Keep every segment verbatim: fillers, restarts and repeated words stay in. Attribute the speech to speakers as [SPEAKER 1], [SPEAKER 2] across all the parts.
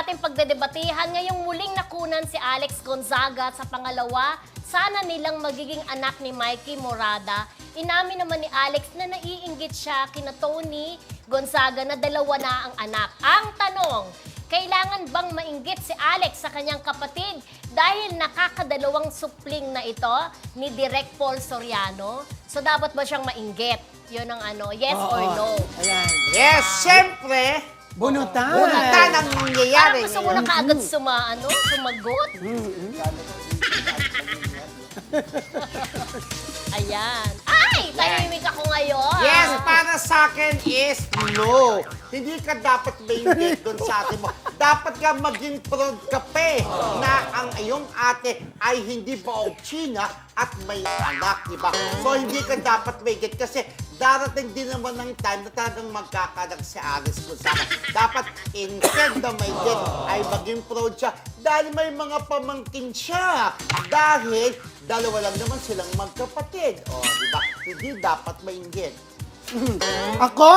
[SPEAKER 1] ating pagdedebatihan, ngayong muling nakunan si Alex Gonzaga sa pangalawa, sana nilang magiging anak ni Mikey Morada. Inamin naman ni Alex na naiinggit siya kina Tony Gonzaga na dalawa na ang anak. Ang tanong, kailangan bang mainggit si Alex sa kanyang kapatid dahil nakakadalawang supling na ito ni Direk Paul Soriano? So dapat ba siyang mainggit? Yun ang ano, yes
[SPEAKER 2] Oo.
[SPEAKER 1] or no?
[SPEAKER 2] Ayan.
[SPEAKER 3] Yes, syempre.
[SPEAKER 2] Bunutan.
[SPEAKER 3] Bunutan ang nangyayari.
[SPEAKER 1] Parang gusto mo na kaagad suma, ano, sumagot. Ayan. Ay, tahimik ako ngayon.
[SPEAKER 3] Yes, para sa akin is no. Hindi ka dapat mainggit doon sa ate mo. Dapat ka maging proud ka pa eh, na ang iyong ate ay hindi baog China at may anak, di ba? So, hindi ka dapat mainggit kasi darating din naman ng time na talagang magkakanak si Alice Gonzaga. Dapat instead na mainggit ay maging proud siya dahil may mga pamangkin siya. Dahil dalawa lang naman silang magkapatid. O, di ba? Hindi dapat mainggit.
[SPEAKER 2] Ako?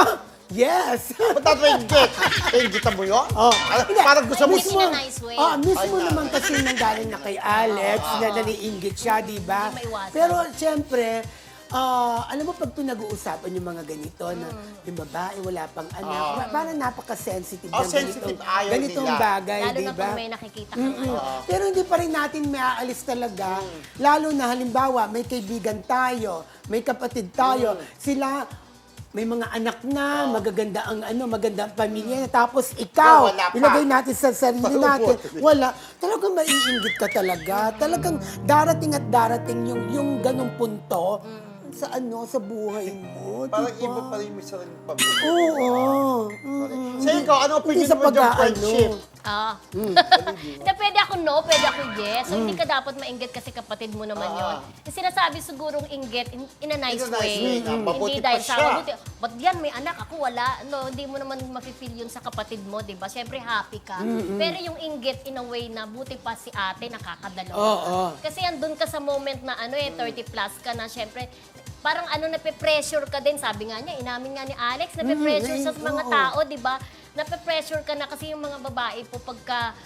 [SPEAKER 2] Yes!
[SPEAKER 3] Ba't dapat mainggit? Inggitan mo yun?
[SPEAKER 2] Oh.
[SPEAKER 3] Ano, parang gusto mo...
[SPEAKER 1] Hindi in a nice way.
[SPEAKER 2] Oh, mismo
[SPEAKER 3] Ay,
[SPEAKER 2] naman
[SPEAKER 3] na-
[SPEAKER 2] kasi nanggaling na kay Alex, na naniinggit siya, di ba?
[SPEAKER 1] Hindi maiwasan.
[SPEAKER 2] Pero siyempre, ah, alam mo pag pinag-uusapan yung mga ganito na yung babae wala pang anak,
[SPEAKER 3] Ah.
[SPEAKER 2] parang napaka-sensitive
[SPEAKER 3] Oh,
[SPEAKER 2] ng
[SPEAKER 3] sensitive.
[SPEAKER 2] ganitong,
[SPEAKER 3] Ayaw
[SPEAKER 2] ganitong
[SPEAKER 3] nila.
[SPEAKER 2] bagay,
[SPEAKER 1] Lalo
[SPEAKER 2] di
[SPEAKER 1] na
[SPEAKER 2] ba?
[SPEAKER 1] kung may nakikita ka.
[SPEAKER 2] Mm-mm. Pero hindi pa rin natin may aalis talaga. Lalo na halimbawa, may kaibigan tayo, may kapatid tayo, sila may mga anak na, magaganda ang ano, maganda ang pamilya na. Tapos ikaw,
[SPEAKER 3] Oh, wala pa.
[SPEAKER 2] ilagay natin sa sarili natin,
[SPEAKER 3] Wala.
[SPEAKER 2] wala. Talagang maiinggit ka talaga. Talagang darating at darating yung, yung ganong punto sa ano, sa buhay mo.
[SPEAKER 3] Parang
[SPEAKER 2] diba?
[SPEAKER 3] iba pa rin may sariling pamilya.
[SPEAKER 2] Oo. Mm-mm.
[SPEAKER 3] Sa ikaw, ano
[SPEAKER 2] Hindi
[SPEAKER 3] opinion
[SPEAKER 2] sa
[SPEAKER 3] mo yung
[SPEAKER 2] pag-aano.
[SPEAKER 3] friendship?
[SPEAKER 1] Ah. Hindi, pwede ako no, pwede ako yes. So, hindi ka dapat mainggit kasi kapatid mo naman
[SPEAKER 3] Ah.
[SPEAKER 1] yon. Yung sinasabi sigurong inggit in, in a nice
[SPEAKER 3] In a nice
[SPEAKER 1] way.
[SPEAKER 3] way na mabuti
[SPEAKER 1] Hindi
[SPEAKER 3] pa
[SPEAKER 1] dahil sa
[SPEAKER 3] siya.
[SPEAKER 1] mabuti. Ba't yan, may anak, ako wala. No, hindi mo naman mafe-feel yun sa kapatid mo, di ba? Siyempre, happy ka. Pero yung inggit in a way na buti pa si ate, nakakadalawa.
[SPEAKER 2] Oo.
[SPEAKER 1] Kasi andun ka sa moment na ano eh, thirty plus ka na, siyempre, parang ano, nape-pressure ka din. Sabi nga niya, inamin nga ni Alex, nape-pressure
[SPEAKER 2] Mm,
[SPEAKER 1] sa mga
[SPEAKER 2] oo.
[SPEAKER 1] tao, di ba? Nape-pressure ka na kasi yung mga babae po pagka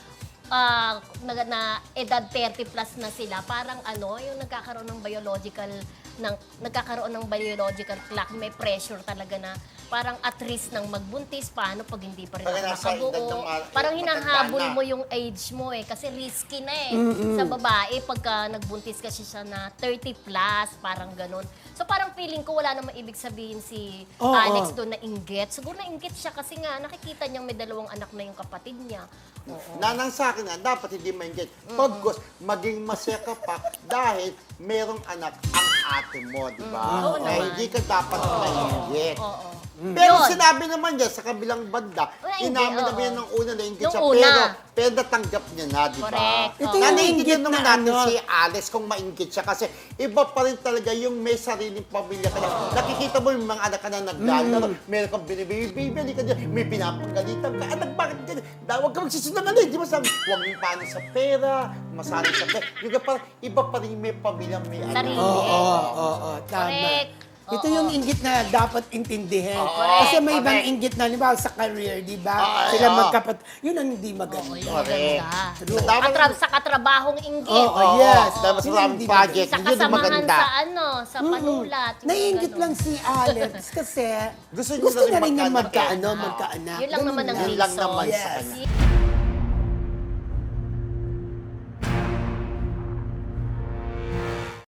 [SPEAKER 1] ah, na, na edad thirty plus na sila, parang ano, yung nagkakaroon ng biological ng nagkakaroon ng biological clock, may pressure talaga na parang at risk ng magbuntis, paano pag hindi pa rin
[SPEAKER 3] Pag
[SPEAKER 1] ako
[SPEAKER 3] nasa edad ng
[SPEAKER 1] nakabuo.
[SPEAKER 3] ma-
[SPEAKER 1] Parang
[SPEAKER 3] matanda
[SPEAKER 1] hinahabol
[SPEAKER 3] na.
[SPEAKER 1] mo yung age mo eh, kasi risky na eh. Sa babae, pagka nagbuntis kasi siya na thirty plus, parang ganun. So parang feeling ko wala namang ibig sabihin si
[SPEAKER 2] Oo.
[SPEAKER 1] Alex doon na inggit. Siguro na inggit siya kasi nga nakikita niyang may dalawang anak na yung kapatid niya. Oo.
[SPEAKER 3] Nanang sa akin nga, dapat hindi mainggit. Pagkos, maging masaya ka pa dahil merong anak ang ate mo, di ba?
[SPEAKER 1] Oo
[SPEAKER 3] Eh,
[SPEAKER 1] naman.
[SPEAKER 3] hindi ka dapat mainggit.
[SPEAKER 1] Oo.
[SPEAKER 3] Pero
[SPEAKER 1] Yun.
[SPEAKER 3] sinabi naman niya sa kabilang banda,
[SPEAKER 1] Wala, hindi,
[SPEAKER 3] inamin
[SPEAKER 1] oo.
[SPEAKER 3] naman yan ng una na inggit
[SPEAKER 1] Nung
[SPEAKER 3] siya,
[SPEAKER 1] una.
[SPEAKER 3] pero, pero natanggap niya na, di ba?
[SPEAKER 1] Correct.
[SPEAKER 2] Ito
[SPEAKER 1] Oo.
[SPEAKER 2] yung
[SPEAKER 3] Naiinggit
[SPEAKER 2] inggit
[SPEAKER 3] naman
[SPEAKER 2] na
[SPEAKER 3] natin
[SPEAKER 2] ano.
[SPEAKER 3] si Alex kung mainggit siya kasi iba pa rin talaga yung may sariling pamilya ka na. Nakikita mo yung mga anak ka na naglalaro, meron kang binibibili ka dyan, may pinapagalitan ka, anak bakit ganyan? Da, huwag ka magsisinungaling, di ba sabi, huwag mong paano sa pera, masali sa pera. Yung ka parang iba pa rin may pamilya, may anak.
[SPEAKER 1] Sarili.
[SPEAKER 2] Oo, oo, oo, tama.
[SPEAKER 1] Correct.
[SPEAKER 2] Ito
[SPEAKER 1] Oo.
[SPEAKER 2] yung inggit na dapat intindihin.
[SPEAKER 1] Correct.
[SPEAKER 2] Kasi may ibang
[SPEAKER 3] Correct.
[SPEAKER 2] inggit na, di ba, sa career, di ba?
[SPEAKER 3] Oo,
[SPEAKER 2] Sila
[SPEAKER 3] oo.
[SPEAKER 2] magkapat. Yun ang hindi maganda.
[SPEAKER 1] Oo, yung
[SPEAKER 3] Correct.
[SPEAKER 1] maganda.
[SPEAKER 3] Dapat-
[SPEAKER 1] Katra- sa katrabahong inggit.
[SPEAKER 2] Oo,
[SPEAKER 3] Oo,
[SPEAKER 2] yes.
[SPEAKER 3] dahil mas
[SPEAKER 2] Yun
[SPEAKER 3] maraming
[SPEAKER 2] hindi
[SPEAKER 3] project,
[SPEAKER 1] Sa
[SPEAKER 3] yun yung
[SPEAKER 1] kasamahan
[SPEAKER 3] maganda.
[SPEAKER 1] sa ano, sa panulat. yung
[SPEAKER 2] Naiingit
[SPEAKER 1] ganun.
[SPEAKER 2] lang si Alex kasi
[SPEAKER 3] Gusto
[SPEAKER 2] gusto,
[SPEAKER 3] niya na rin
[SPEAKER 2] niya rin niya
[SPEAKER 3] magkaanak eh.
[SPEAKER 2] magkaano,
[SPEAKER 3] Oo.
[SPEAKER 2] magkaanak.
[SPEAKER 1] Yun lang
[SPEAKER 2] Ganun
[SPEAKER 1] naman ang
[SPEAKER 3] Yun lang
[SPEAKER 1] reason.
[SPEAKER 3] naman sa
[SPEAKER 2] Yes.
[SPEAKER 3] kanya.